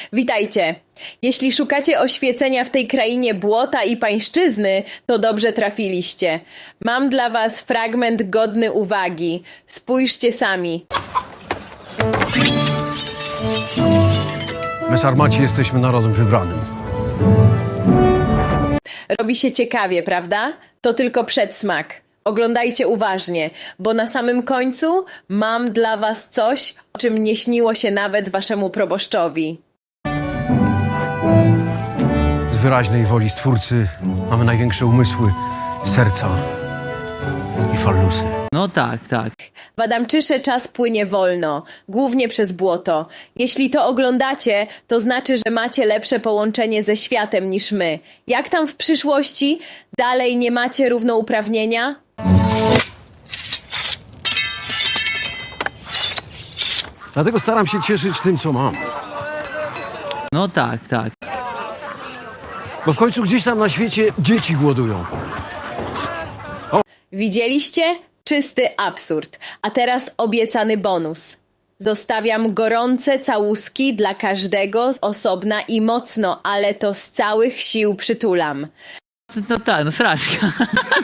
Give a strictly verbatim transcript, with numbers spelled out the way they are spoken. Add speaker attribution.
Speaker 1: Witajcie! Jeśli szukacie oświecenia w tej krainie błota i pańszczyzny, to dobrze trafiliście. Mam dla was fragment godny uwagi. Spójrzcie sami.
Speaker 2: My Sarmaci jesteśmy narodem wybranym.
Speaker 1: Robi się ciekawie, prawda? To tylko przedsmak. Oglądajcie uważnie, bo na samym końcu mam dla was coś, o czym nie śniło się nawet waszemu proboszczowi.
Speaker 2: Z wyraźnej woli Stwórcy mamy największe umysły, serca i fallusy.
Speaker 3: No tak, tak.
Speaker 1: W Adamczysze czas płynie wolno, głównie przez błoto. Jeśli to oglądacie, to znaczy, że macie lepsze połączenie ze światem niż my. Jak tam w przyszłości? Dalej nie macie równouprawnienia?
Speaker 2: Dlatego staram się cieszyć tym, co mam.
Speaker 3: No tak, tak.
Speaker 2: Bo w końcu gdzieś tam na świecie dzieci głodują.
Speaker 1: Widzieliście? Czysty absurd. A teraz obiecany bonus. Zostawiam gorące całuski dla każdego z osobna i mocno, ale to z całych sił przytulam.
Speaker 3: No tak, no sraczka.